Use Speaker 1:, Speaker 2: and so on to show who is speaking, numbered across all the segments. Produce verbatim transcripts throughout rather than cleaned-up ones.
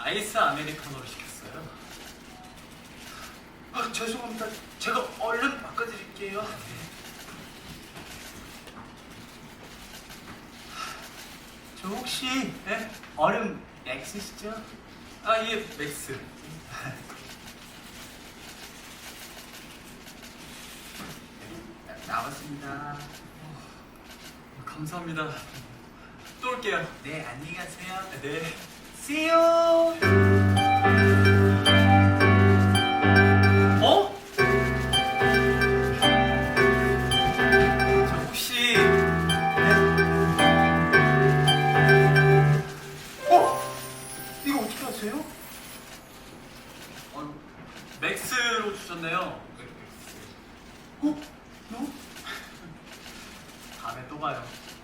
Speaker 1: 아이스 아메리카노로 시켰어요.
Speaker 2: 아, 죄송합니다. 제가 얼른 바꿔드릴게요. 저 혹시 예? 얼음 X시죠?
Speaker 1: 아, 예, 맥스.
Speaker 2: 나왔습니다.
Speaker 1: 감사합니다. 또 올게요.
Speaker 2: 네, 안녕히 가세요.
Speaker 1: 네.
Speaker 2: See you.
Speaker 1: 어? 저 혹시
Speaker 2: 어? 이거 어떻게 하세요?
Speaker 1: 어, 맥스로 주셨네요.
Speaker 2: 어? 너?
Speaker 1: 다음에 또 봐요.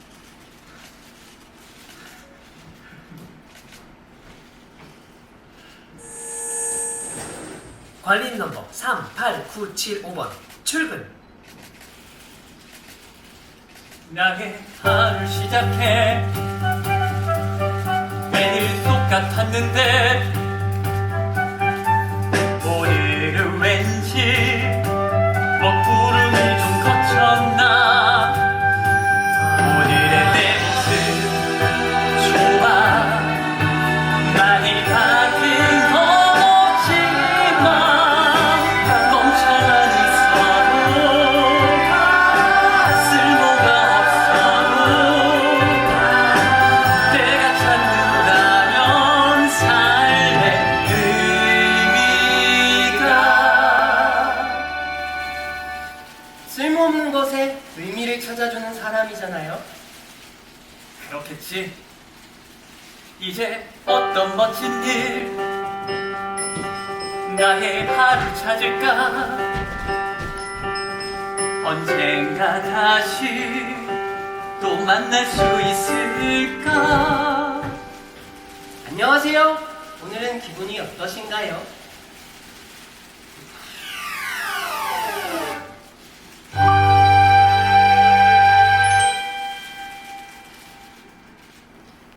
Speaker 3: 관리인 넘버 삼 팔 구 칠 오 번 출근.
Speaker 1: 나의 하루 시작해 매일 똑같았는데 오늘은 왠지 먹구름이 좀 거쳤나. 오늘의 내 모습 좋아. 많이 바뀐 건 없지만 멍청한 서로가 쓸모가 없어도 내가 찾는다면 삶의 의미가.
Speaker 3: 쓸모없는 것에 의미를 찾아주는 사람이잖아요.
Speaker 1: 그렇겠지. 이제 어떤 멋진 일 나의 하루 찾을까. 언젠가 다시 또 만날 수 있을까.
Speaker 3: 안녕하세요. 오늘은 기분이 어떠신가요?